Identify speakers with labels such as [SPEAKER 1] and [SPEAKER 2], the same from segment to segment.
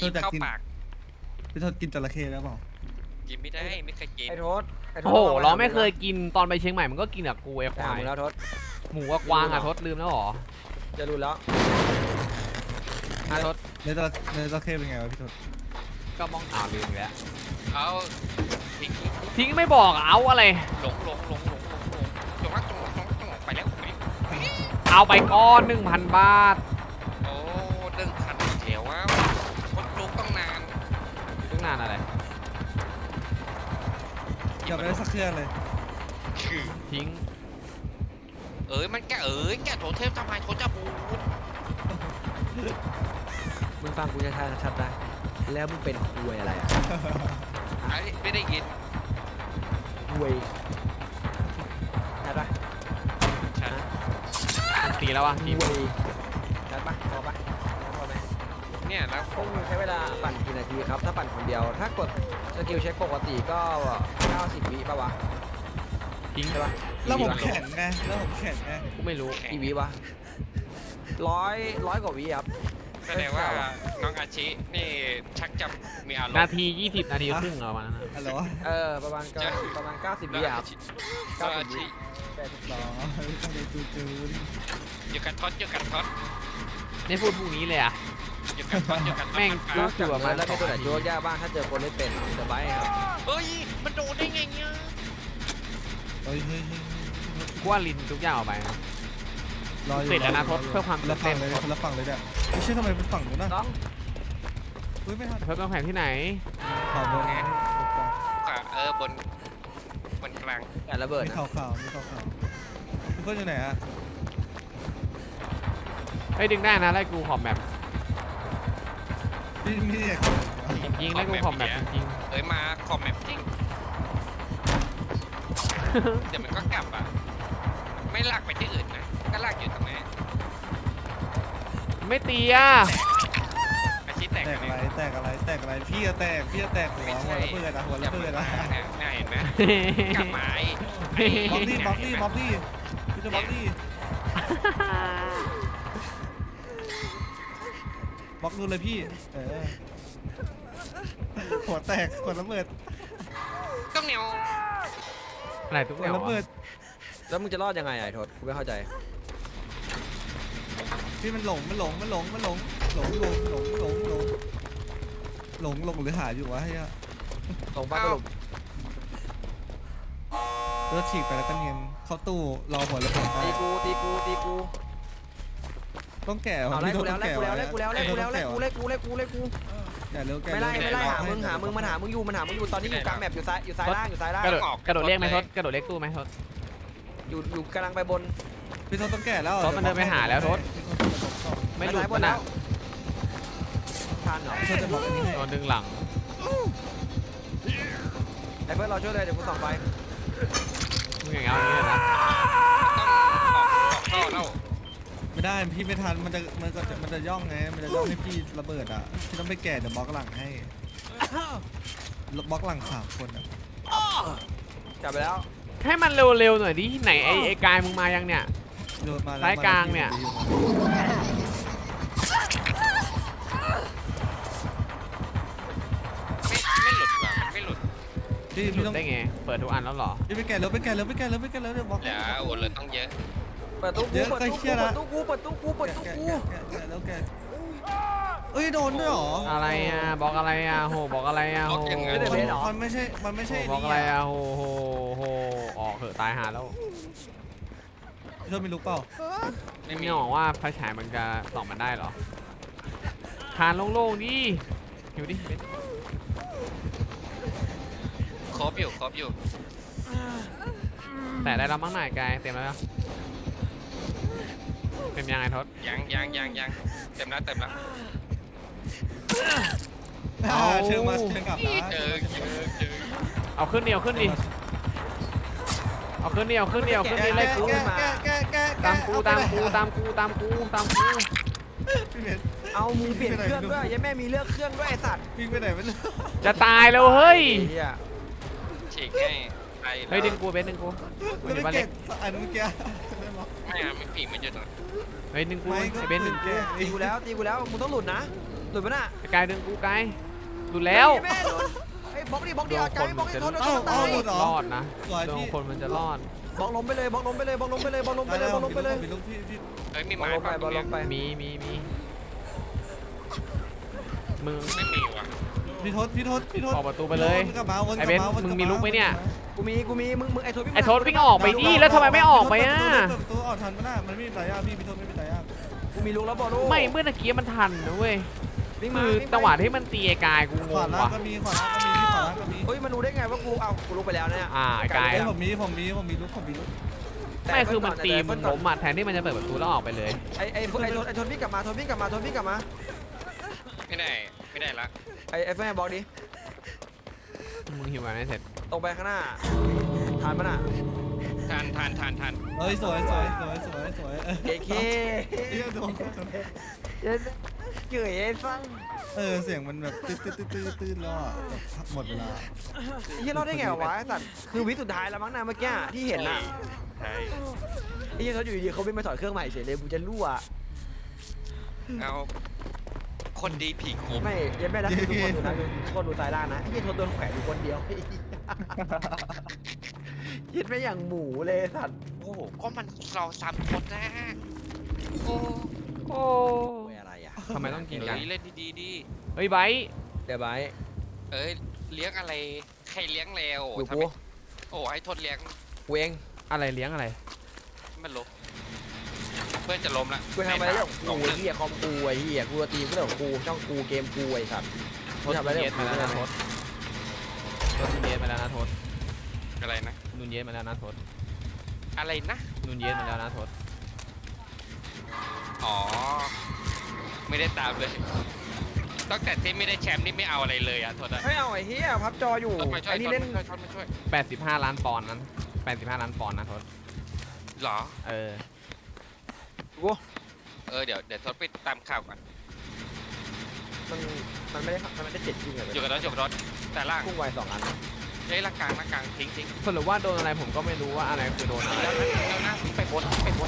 [SPEAKER 1] กินเข้าปาก
[SPEAKER 2] พี่ทศกินจระเข้แล้วเปล่า
[SPEAKER 1] กินไม่ได้ไม่เคยกิน
[SPEAKER 3] ไอ้โทษ
[SPEAKER 4] โอ้โหเราไม่เคยกินตอนไปเชียงใหม่มันก็กินกับกูไอ้ควาย
[SPEAKER 3] แล้วโทษ
[SPEAKER 4] หมูกับกวางอะทศลืมแล้วหรอ
[SPEAKER 3] จะรู้แล้ว
[SPEAKER 4] ทศ
[SPEAKER 2] เนื้อจระเข้เป็นไงวะพี่ทศ
[SPEAKER 4] ก็มองลืมอีกแล้ว
[SPEAKER 1] เอาทิ้ง
[SPEAKER 4] ทิ้งไม่บอกเอาอะไร
[SPEAKER 1] หลงจงรักจงไปแล้ว
[SPEAKER 4] เอาไปก้อน 1,000 บาท
[SPEAKER 1] โอ้เรื่องคันเขียวว่าคนลุกต้องนาน
[SPEAKER 4] ตั้งนานอะไร
[SPEAKER 2] อย่าไปได้สักเครื่องเลย
[SPEAKER 1] คือ
[SPEAKER 4] ทิ้ง
[SPEAKER 1] มันแกโถเทพทำไมโถจะบูด
[SPEAKER 3] มึงฟังกูชัดๆนะแล้วมึงเป็นคุยอะไรอ่ะ
[SPEAKER 1] ไอ้ไม่ได้ยิน
[SPEAKER 3] คุยชัดปะ
[SPEAKER 1] ฉัน
[SPEAKER 4] ตีแล้ววะทีม
[SPEAKER 3] คุยชัดปะพอปะพอไหม
[SPEAKER 1] เนี่ยแล้ว
[SPEAKER 3] พวกมึงใช้เวลาปั่นกี่นาทีครับถ้าปั่นคนเดียวถ้ากดสกิลเช็คปกติก็90 วิป่ะวะ
[SPEAKER 4] ทิ้ง
[SPEAKER 3] ใช่ปะ
[SPEAKER 2] แล้วผมแข็งไงแล้วผมแข็งไง
[SPEAKER 4] กูไม่รู้
[SPEAKER 3] กี่วิวะร้อยกว่าวิครับ
[SPEAKER 1] แสดงว่าน้องอาชินี่ชักจะมีอารมณ์
[SPEAKER 4] นาที20 นาทีครึ่งเอามานะ
[SPEAKER 2] อะไรวะ
[SPEAKER 3] ประมาณ90 วิครับ
[SPEAKER 1] น้องอาชิ
[SPEAKER 2] หรอต้องไปจูน
[SPEAKER 1] อยู่กันทอด
[SPEAKER 4] ไม่พูดพวกนี้เลยอะ
[SPEAKER 1] อยู่กันทอด
[SPEAKER 4] แม่ง
[SPEAKER 3] นอกจากนั้นแล้วมีตัวไหนโยกยากบ้างถ้าเจอคนเล่นเป็นเดอะไบค์ครับ
[SPEAKER 1] เฮ้ยมันโดนได้ไงเนี่ย
[SPEAKER 2] เฮ้ย
[SPEAKER 4] กูว่าลินทุกอย่างออกไปนะ
[SPEAKER 2] รออยู่
[SPEAKER 4] ติดแล้วนะทศเพื่อความ
[SPEAKER 2] ละฝั่งเลยคนละฝั่งเลยเนี่ยไม่ใช่ทำไมเป็นฝั่งนู้นนะ
[SPEAKER 3] น้อง
[SPEAKER 2] เฮ้ยไม่ทัน
[SPEAKER 4] เพิ่มต้องแผนที่ไหน
[SPEAKER 2] ขาวบนไง
[SPEAKER 1] บนกลาง
[SPEAKER 3] แต่ระเบิด
[SPEAKER 2] มี
[SPEAKER 3] นะ
[SPEAKER 2] ขาวมีขาวทุกคนอยู่ไหนอะ
[SPEAKER 4] เฮ้ยดึงได้นะไล่กูขอบแมป
[SPEAKER 2] พี่มีเด็ก
[SPEAKER 4] จริงๆไล่กูขอบแมปจริง
[SPEAKER 1] มาคอมแมปจริงเดี๋ยวมันก็กลับอ่ะไม่ลากไปที่อื่นนะก็ลากอยู่ตรงนี้
[SPEAKER 4] ๆไม่ตีอะ
[SPEAKER 1] อาชีพแตก
[SPEAKER 2] แตกอะไรพี่จะแตกหัวระเบิดอะหัวระเบิดอะ
[SPEAKER 1] น่าเห็นไหมกลับมา
[SPEAKER 2] บล็อกดี้พี่จะบล็อกดี้บล็อกดูเลยพี่หัวแตกหัวระเบิด
[SPEAKER 1] ต้องเหนียว
[SPEAKER 4] อะไรทุก
[SPEAKER 2] หั
[SPEAKER 4] อ
[SPEAKER 2] ว
[SPEAKER 4] ย่าง
[SPEAKER 2] ระเบิด
[SPEAKER 3] แล้วมึงจะรอดยังไงไอ้โทษกูไม่เข้าใจ
[SPEAKER 2] พี่มันหลงหรือหาอยู่วะเฮีย
[SPEAKER 3] ตรงบ้านสรุป
[SPEAKER 2] รถฉีกไปแล้วก็เนียนเข้าตู้รอหัวระเบิด
[SPEAKER 3] ตีกู
[SPEAKER 2] ต้องแก่
[SPEAKER 3] เอาไล่กูแล้ว
[SPEAKER 2] แก่แล้ว
[SPEAKER 3] ไม่ไล่หามึงมันหามึงอยู่ตอนนี้อยู่กลางแมปอยู่ซ้ายล่าง
[SPEAKER 4] กระโดดเรียกไหมทศกระโดดเรียกตู้ไหมทศ
[SPEAKER 3] อยู่กำลังไปบน
[SPEAKER 2] พี่ทศต้องแก่แล้ว
[SPEAKER 4] ทศมันเดินไปหาแล้วทศไม่หลุด
[SPEAKER 3] บ
[SPEAKER 4] มัน น
[SPEAKER 3] แล้
[SPEAKER 4] อะ
[SPEAKER 3] วทันเหรอ
[SPEAKER 2] พี่ทศจะบอกอันนี้ให้
[SPEAKER 4] โดนดึงหลัง
[SPEAKER 3] ไอ้เพื่อนเราช่วยเลยเดี๋ยวกูส่องไป
[SPEAKER 4] มึงอย่างเงี้ยอย่างนี้เลยนะ
[SPEAKER 1] ต้องออกท่อแล้ว
[SPEAKER 2] ไม่ได้พี่ไม่ทันมันจะย่องไงมันจะย่องให้พี่ระเบิดอ่ะพี่ต้องไปแก่เดี๋ยวบล็อกหลังให้บล็อกหลัง3 คนอ่ะ
[SPEAKER 3] จับไปแล้ว
[SPEAKER 4] ให้มันเร็วๆหน่อยดิไหนไอ้กายมึงมายังเนี่ย
[SPEAKER 2] โดนมาแล้ว
[SPEAKER 4] ซ้ายกลางเนี่ย
[SPEAKER 1] ไม่หลุดว่ะไม่หลุด
[SPEAKER 2] พี่
[SPEAKER 4] หลุด
[SPEAKER 2] ต้อง
[SPEAKER 4] ได้ไงเปิดทุกอันแล้วเหรอ
[SPEAKER 2] พี่ไปแก่แล้วเดี๋ยวบล็อก
[SPEAKER 1] เดี๋ยวโอ้เลยต้องเยอะ
[SPEAKER 3] เปิดตู้กู
[SPEAKER 2] แล้วแกเอ้ยโดนด้วยหรอ
[SPEAKER 4] อะไรอ่ะบอกอะไรอ่ะโหบอกอะไรอ่ะโห
[SPEAKER 2] มันไม่ใช่
[SPEAKER 4] บอกอะไรอ่ะโหออกเถอะตายหาแล้ว
[SPEAKER 2] เธอไม่รู้เปล่า
[SPEAKER 4] ไม่มีบอกว่าไฟฉายมันจะส่องมันได้เหรอคานโล่งๆดิอยู่ดิ
[SPEAKER 1] ครบอยู่
[SPEAKER 4] แต่ได้แล้วมั้งหน่อยกายเต็มแล้วเต็มยังไงทศ
[SPEAKER 1] ยังเต็มแล้ว
[SPEAKER 2] เชิงกลับนะ
[SPEAKER 1] เจอ
[SPEAKER 4] เอาขึ้นดิเอาขึ้นดิไล่กูตามกู
[SPEAKER 2] พี่เบน
[SPEAKER 3] เอามึงเปลี่ยนเครื่องด้วยยังแม่มีเลือกเครื่องด้วยไอ้สัตว์
[SPEAKER 2] พี่ไปไหนไม่รู้
[SPEAKER 4] จะตายแล้วเฮ้ย
[SPEAKER 1] ฉีกให้ไป
[SPEAKER 4] เฮ้ยดึงกูเบนดึงกู
[SPEAKER 2] แล้วไม่เก่งอันเมื่อกี้
[SPEAKER 1] ไม่อะไม่ผีมันอยู่ตรงนั้น
[SPEAKER 4] เฮ้ยดึงกู
[SPEAKER 2] ไม่ก็
[SPEAKER 4] ไอ้เบนดึง
[SPEAKER 2] แก
[SPEAKER 4] กู
[SPEAKER 3] ตีกูแล้วมึงต้องหลุดนะหลุดปะน่ะ
[SPEAKER 4] ไอ้กายดึงกูกายหลุดแล้ว
[SPEAKER 3] แม่หลุดไอ้บล็อกดิบล็อกดิเอาใจบล็อกดิโทษ
[SPEAKER 2] เอ้า
[SPEAKER 3] ตาย
[SPEAKER 2] หลุดเหรอ
[SPEAKER 4] รอดนะ
[SPEAKER 2] สวย
[SPEAKER 4] โดน
[SPEAKER 2] พี่
[SPEAKER 4] คนมันจะรอด
[SPEAKER 3] บล็อกล้มไปเลยบล็อกล้มไปเลยบล็อกล้มไปเลยบล็อกล้มไปเลยบล็อกล้มไปเลยบล็อกล้มไปเลย
[SPEAKER 2] มีลูกพี่
[SPEAKER 1] เฮ้ยมี
[SPEAKER 3] บล็อก
[SPEAKER 1] ไม้
[SPEAKER 3] ล้มไป
[SPEAKER 1] ป่ะ
[SPEAKER 3] บล็อกล้มไป
[SPEAKER 4] มีมึง
[SPEAKER 1] ไม่มีว่ะ
[SPEAKER 2] พี่ทศ
[SPEAKER 4] ออกประตูไปเลย
[SPEAKER 2] วนกลับมาวนก
[SPEAKER 4] ไอ้
[SPEAKER 2] ลับ
[SPEAKER 4] เบน
[SPEAKER 2] มาวนกลับ
[SPEAKER 4] มึงมีลุกไหมเนี่ย
[SPEAKER 3] กูมีมึงไอ้โทษ
[SPEAKER 4] ไอ้ทศวิ่งออกไปดิแล้วทำไมไม่ออกไปอ่ะ
[SPEAKER 2] เปิดประตูออกทันมั้ยน่ะมันไม่มีตายากพี่ทศไม่มีตายาก
[SPEAKER 3] กูมีลุกแล้วบอลลู
[SPEAKER 4] ไม่เมื่อตะกี้มันทันนะเว้ย
[SPEAKER 3] วิ่งมา
[SPEAKER 4] คือจังหวะที่มันตีไอ้กายกูง
[SPEAKER 2] ขวาง ล่าง
[SPEAKER 4] ว่ะ
[SPEAKER 2] ก็มีขวาล่างก็มีพี่ขวาล่างก็มี
[SPEAKER 3] เฮ้ยมันรู้ได้ไงว่ากูลุกไปแล้วเนี่ย
[SPEAKER 4] ไอ้กาย
[SPEAKER 2] เอ้ยผมมีลุก
[SPEAKER 4] ไม่คือมันตีมันล้มอ่ะแทนที่มันจะเปิดประตูแล้วออกไปเลย
[SPEAKER 3] ไอ้ทนพี่กลับมา
[SPEAKER 1] ไม่ได้ละ
[SPEAKER 3] ไอ้เฟิร์นบล็อกดิ
[SPEAKER 4] มึงหิวมาไม่เสร็จ
[SPEAKER 3] ตรงไปข้างหน้าทานมันอ่ะ
[SPEAKER 1] ทัน
[SPEAKER 2] เอ้ยสวยเ
[SPEAKER 3] เคเค
[SPEAKER 2] เหี้ยโดน
[SPEAKER 3] เกยไอ้ฟัง
[SPEAKER 2] เสียงมันแบบตื้นแล้วอ่ะแบบหมดเวลา
[SPEAKER 3] เฮียรอดได้ไงวะไอ้สัตว์คือวิสุดท้ายแล้วมั้งนะเมื่อกี้ที่เห็นน่ะ
[SPEAKER 1] ใช่
[SPEAKER 3] ไอ้เฮียเขาอยู่ดีๆเขาวิ่งมาถอดเครื่องใหม่เฉยเลยกูจะรั่ว
[SPEAKER 1] เอาคนดีผีคุม
[SPEAKER 3] ไม่ยังไม่รักทุกคนดูนะทุกคนดูสายล่างนะไอ้เฮียทนโดนแขวนอยู่คนเดียวยิดไม่อย่างหมูเลยสัตว์
[SPEAKER 1] โอ้โหก็มันเราซ้ำคนนะโอ้
[SPEAKER 4] โอ้
[SPEAKER 3] อะไรอ่ะ
[SPEAKER 4] ทำไมต้องกินกัน
[SPEAKER 1] เล่นดีๆดี
[SPEAKER 4] เฮ้ยไบร์ท
[SPEAKER 3] เดี๋ยวไป
[SPEAKER 1] เอ้ยเลี้ยงอะไรใครเลี้ยงแล้ว
[SPEAKER 3] อยู่
[SPEAKER 1] ทำ
[SPEAKER 3] กู
[SPEAKER 1] ไมโอ้ให้ทดเลี้ยง
[SPEAKER 3] กูเอง
[SPEAKER 4] อะไรเลี้ยงอะไร
[SPEAKER 1] มันล้มเพื่อนจะล้มละ
[SPEAKER 3] กูทำอะไรเรื่อง
[SPEAKER 1] ส
[SPEAKER 3] กู
[SPEAKER 1] องหนึ่ง
[SPEAKER 3] เฮียคอมกูไอ้เฮียกูตีกูเรื่องกูช่องกูเกมกูไอ้สัตว์
[SPEAKER 4] ท
[SPEAKER 3] กู
[SPEAKER 4] ศ
[SPEAKER 3] ทำอะไร
[SPEAKER 4] นูน
[SPEAKER 3] เรื่
[SPEAKER 4] เย
[SPEAKER 3] อง
[SPEAKER 4] ส
[SPEAKER 3] กู
[SPEAKER 4] มาแล้วนะทศนูนเยสมาแล้วนะทศ
[SPEAKER 1] อะไรนะ
[SPEAKER 4] นูนเยสมาแล้วนะทศ
[SPEAKER 1] อะไรนะ
[SPEAKER 4] นูนเยสมาแล้วนะทศ
[SPEAKER 1] อ๋อไม่ได้ตามเลยตั้งแต่ที่ไม่ได้แชมป์นี่ไม่เอาอะไรเลยอ่ะโทษนะ
[SPEAKER 3] ไม่เอาไอ้เฮียพับจออยู่
[SPEAKER 1] ต้องมาช่วย
[SPEAKER 3] ไอ้นี่เล่น
[SPEAKER 1] มาช่วย
[SPEAKER 4] 85 ล้านปอนด์นั้น85 ล้านปอนด์นะทศ
[SPEAKER 1] เหรอ
[SPEAKER 4] เออ
[SPEAKER 3] กู
[SPEAKER 1] เดี๋ยวทดไปตามข่าวก่อน
[SPEAKER 3] มันไม่ได้เจ็ดจริงเหรอ
[SPEAKER 1] อยู่กับรถแต่ล่าง
[SPEAKER 3] กุ้งไวสองอัน
[SPEAKER 1] เฮ้ยล่างกลางทิ้ง
[SPEAKER 4] สรุปว่าโดนอะไรผมก็ไม่รู้ว่าอะไรคือโดนอะไร
[SPEAKER 1] แล้วนะไปบน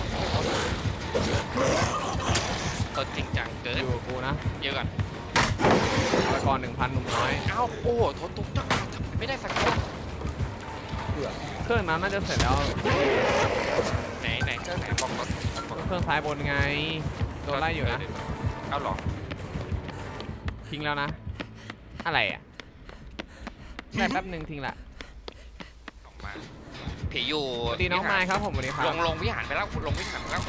[SPEAKER 1] ตดจริงจังเกิ
[SPEAKER 4] อน ยู่กับกูนะ
[SPEAKER 1] เยอะก่อน
[SPEAKER 4] ตะกอน 1,000 หนุ่มน้อย
[SPEAKER 1] เอ้าโอ้โหทดตุ๊กตักไม่ได้สักคน
[SPEAKER 3] เบื่อ
[SPEAKER 4] เครื่องนั้นน่าจะเสร็จแล้ว
[SPEAKER 1] ไหนเครื่องไหนบอกรถ
[SPEAKER 4] เครื่องซ้ายบนไงโดนไล่อยู่นะ
[SPEAKER 1] เอาหรอ
[SPEAKER 4] ทิ้งแล้วนะ อะไรอ่ะได้แป๊บหนึ่งทิ้งละ
[SPEAKER 1] ออกมาผีอยู่
[SPEAKER 4] สวัสดีน้องไม้ครับผมสวัสดีครับ
[SPEAKER 1] ลงวิหารไปแล้วลงวิหารไปแล้ว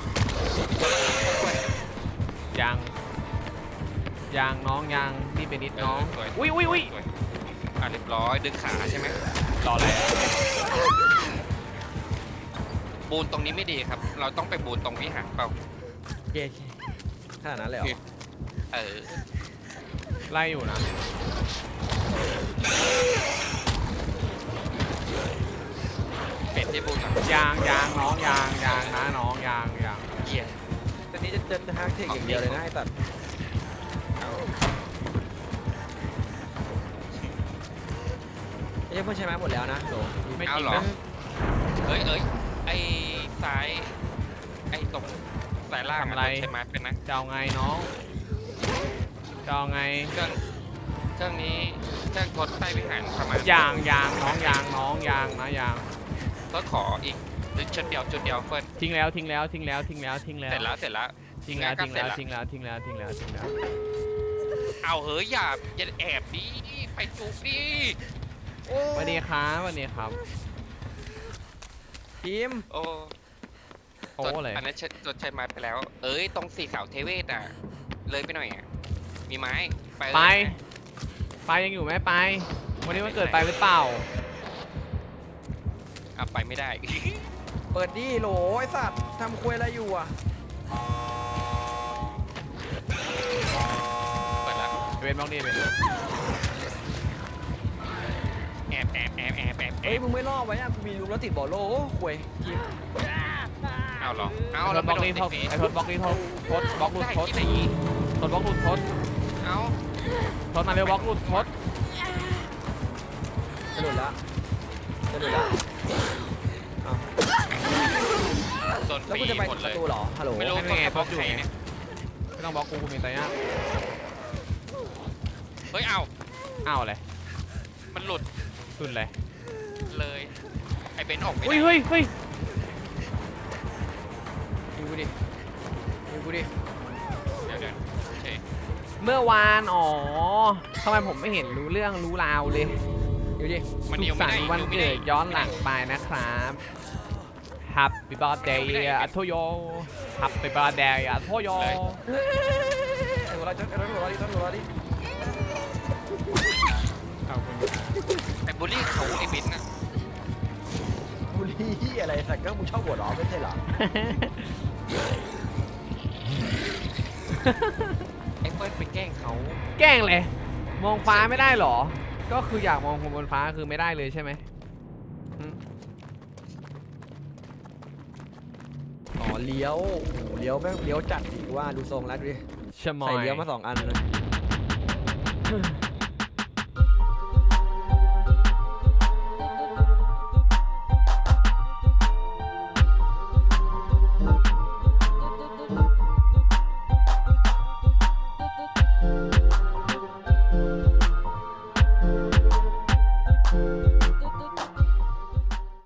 [SPEAKER 4] ยังน้องยังนี่เป็นนิดน้อง
[SPEAKER 1] สวย
[SPEAKER 4] อุ้ย
[SPEAKER 1] เรียบร้อยดึงขาใช่ไหม
[SPEAKER 4] รออะไรอะ
[SPEAKER 1] บูนตรงนี้ไม่ดีครับ เราต้องไปบูนตรงวิหารเปล่า
[SPEAKER 3] เกย์ขนาดนั้นเลยเหรอ
[SPEAKER 1] เออ
[SPEAKER 4] ไล่อยู่นะ
[SPEAKER 1] เป็ดที่บูนอ่ะ
[SPEAKER 4] ยางน้องยางนะน้องยาง
[SPEAKER 1] เหี้ย
[SPEAKER 3] ตอนนี้จะฮักเทคอย่างเดียวเลยนะไอ้สัตว์ไอ้เพื่อนใช้ไม้หมดแล้วนะโห
[SPEAKER 4] ไม่
[SPEAKER 1] เอา
[SPEAKER 4] จริง
[SPEAKER 1] เหรอ
[SPEAKER 4] นะ
[SPEAKER 1] เอ้ยไอ้ซ้ายไอ้ตรงสายล่างใช่ไหมเป็นนะ
[SPEAKER 4] จะเอาไงน้องจะเอาไง
[SPEAKER 1] เครื่องนี้เครื่องทดใต้วิหารประมาณ
[SPEAKER 4] ยางน้องยางนะยาง
[SPEAKER 1] ก็ขออีกชุดเดียวเฟิร์น
[SPEAKER 4] ทิ้งแล้ว
[SPEAKER 1] เสร็จแล้วทิ้งแล้วเอาเฮ้ยอย่าแอบดิไปจุกดิโอ้
[SPEAKER 4] สวัสดีครับ
[SPEAKER 3] ทีม
[SPEAKER 1] โอ้
[SPEAKER 4] โอ้เลย
[SPEAKER 1] อันนั้นจดใช้ไม้ไปแล้ว เอ้ยตรงสีขาวเทเวศอ่ะเลยไปหน่อยอ่ะมีไม้ไปเลย
[SPEAKER 4] ไปยังอยู่ไหมไปวันนี้มันเกิดไปหรือเปล่า
[SPEAKER 1] อ่ะไปไม่ได้
[SPEAKER 3] เปิดดิโหลไอ้สัตว์ทำควยอะไรอยู่อ่ะ
[SPEAKER 1] เปิดละ
[SPEAKER 4] เวนบล็อกดีเป็น
[SPEAKER 1] แอบ
[SPEAKER 3] เฮ้ยมึงไม่ล่อไว้อ่ะกูมีลูกแล้วติดบ่อโลโอ้ควยทีม
[SPEAKER 1] เอาเหรอเอา
[SPEAKER 4] ไอ้ท
[SPEAKER 1] เรา
[SPEAKER 4] ศบ
[SPEAKER 1] ไม่
[SPEAKER 4] ล็อก
[SPEAKER 1] โดน
[SPEAKER 4] ดี
[SPEAKER 1] ติ
[SPEAKER 4] ท
[SPEAKER 1] ด
[SPEAKER 4] ศ
[SPEAKER 1] สี
[SPEAKER 4] ไอ้ทศบล็อกดีทศบล็อกหลุด
[SPEAKER 1] ได้
[SPEAKER 4] ทศ
[SPEAKER 1] ที่ไหน
[SPEAKER 4] ทศบล็อกหลุดทศ
[SPEAKER 1] เอา
[SPEAKER 4] ทศมาเร็วบล็อกหลุดทศ
[SPEAKER 3] จะหลุดละ
[SPEAKER 1] โดโดน
[SPEAKER 3] แล้ว
[SPEAKER 1] ฟ
[SPEAKER 3] กู
[SPEAKER 1] รี
[SPEAKER 3] จะไป
[SPEAKER 1] หมด
[SPEAKER 3] ป
[SPEAKER 1] เล
[SPEAKER 3] ระ
[SPEAKER 1] ย
[SPEAKER 3] ตูเหรอฮัลโหล
[SPEAKER 1] ไม่รู้
[SPEAKER 4] ไม่
[SPEAKER 1] ต้อง
[SPEAKER 4] ไง
[SPEAKER 1] แค่บล็อก
[SPEAKER 4] บล็อกอยู่
[SPEAKER 1] ใคร
[SPEAKER 4] ไง
[SPEAKER 1] เนี่ย
[SPEAKER 4] ไม่ต้องบล็อกกูมีตายาก
[SPEAKER 1] เฮ้ยเอา
[SPEAKER 4] อ้าวเลย
[SPEAKER 1] มันหลุด
[SPEAKER 4] สุดเลย
[SPEAKER 1] เลยไอ้เบนซ์ออกไม่
[SPEAKER 4] อุ้ย
[SPEAKER 1] ได้
[SPEAKER 4] เฮ้ยเฮ้ย
[SPEAKER 3] ยิงกูดิยิงกูดิ
[SPEAKER 1] เดี๋ยวโอเค
[SPEAKER 4] เมื่อวานอ๋อทำไมผมไม่เห็นรู้เรื่องรู้ราวเลย
[SPEAKER 3] ยิงดิ
[SPEAKER 1] มัน
[SPEAKER 4] สุ
[SPEAKER 1] ยิ
[SPEAKER 4] ข
[SPEAKER 1] ง
[SPEAKER 4] สั
[SPEAKER 1] ไม่
[SPEAKER 4] น
[SPEAKER 1] ได้
[SPEAKER 4] ต์วัน
[SPEAKER 1] ยิงไม่
[SPEAKER 4] เกิ
[SPEAKER 1] ได้
[SPEAKER 4] ดย้อนหลังไปนะครับ Happy birthday อัทโย Happy birthday อัทโย
[SPEAKER 3] ไอ้หัวเราะไอ้หัวเราะดิต้นหัวเราะดิ
[SPEAKER 4] เอาคุณ
[SPEAKER 1] ไอ้บูลลี่เขาไอ้เบนซ์น่ะ
[SPEAKER 3] บุรีอะไรสักก็มึงชอบหัวเราะไม่ใช่เหรอ
[SPEAKER 1] ไอ้เปิ้ลไปแกล้งเขา
[SPEAKER 4] แกล้งเลย มองฟ้าไม่ได้เหรอ ก็คืออยากมองคนบนฟ้าคือไม่ได้เลยใช่ไหม
[SPEAKER 3] อ๋อเลี้ยวโอ้โหเลี้ยวแม่งเลี้ยวจัดดีกว่าดูทรงแล้วดูดิ
[SPEAKER 4] ชะมอ
[SPEAKER 3] ใส่
[SPEAKER 4] ย
[SPEAKER 3] เลี้ยวมา2 อันเลย